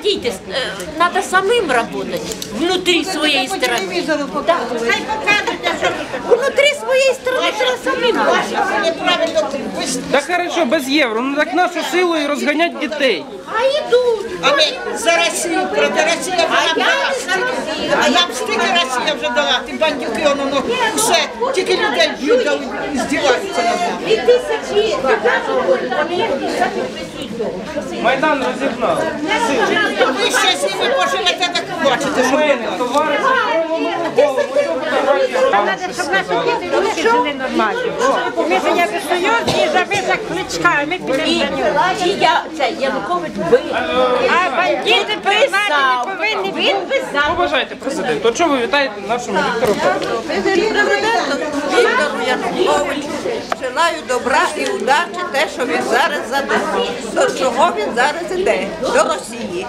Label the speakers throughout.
Speaker 1: хотите, надо самим работать внутри своей страны. Да. Внутри своей страны треба самим работать.
Speaker 2: Та хорошо, без євро, ну так нашу силу і розганять дітей.
Speaker 1: А йдуть.
Speaker 3: А ми за Росію проти Росії вже дала. А я б стільки Росія вже дала, ті бандюки, воно все, тільки людей б'ють, і здіваються над нами.
Speaker 1: 2000
Speaker 2: Майдан розігнав.
Speaker 3: Ви ще з ними поживете, так бачите, що
Speaker 2: Мене, товариші,
Speaker 4: Щоб наші діти внуки жили нормально. Ми ж як союз і за висок кличка, ми підемо за нього.
Speaker 1: І я, це Янукович бив.
Speaker 4: А бандити приймати не повинні.
Speaker 1: Він писав.
Speaker 2: побажайте президенту. От що ви вітаєте нашому Віктору Федоровичу?
Speaker 5: Президенту Віктору Януковичу желаю добра і удачі те, що він зараз задумав. До чого він зараз іде? До Росії.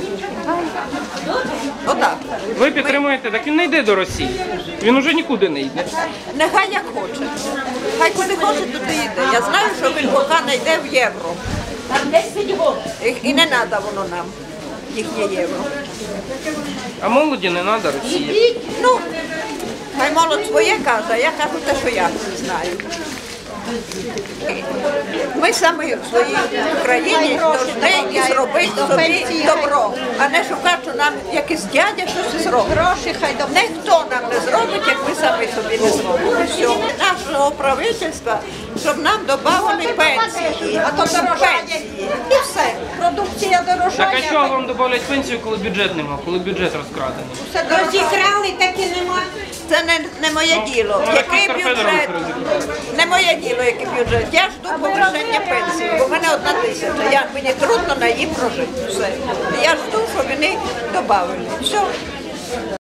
Speaker 5: Отак.
Speaker 2: Ви підтримуєте, так він не йде до Росії. Він уже нікуди не йде.
Speaker 5: Нехай як хоче. Хай куди хоче, туди йде. Я знаю, що він поки не йде в євро.
Speaker 1: Там 10 років.
Speaker 5: І не треба воно нам, їхнє євро.
Speaker 2: А молоді не треба Росії.
Speaker 5: Ну, хай молодь своє каже, а я кажу те, що я знаю. Ми самі в своїй Україні повинні зробити собі добро, а не шукати, що нам якийсь дядя щось зробить. Ніхто нам не зробить, як ми самі собі не зробимо. Все. Нашого правительства, щоб нам додавали пенсії, а то дорожання. І все. Продукція
Speaker 2: Так
Speaker 5: дорожає.
Speaker 2: а чого вам додають пенсію, коли бюджет нема, коли бюджет розкрадений?
Speaker 4: Розікрали, так і нема.
Speaker 5: Це не моє діло. Який
Speaker 2: Віктор Федорович
Speaker 5: бюджет? Не моє діло, який бюджет. Я жду повищення пенсії, бо в мене 1000. Мені трудно на її прожити. Все. Я жду, щоб вони додали. Все.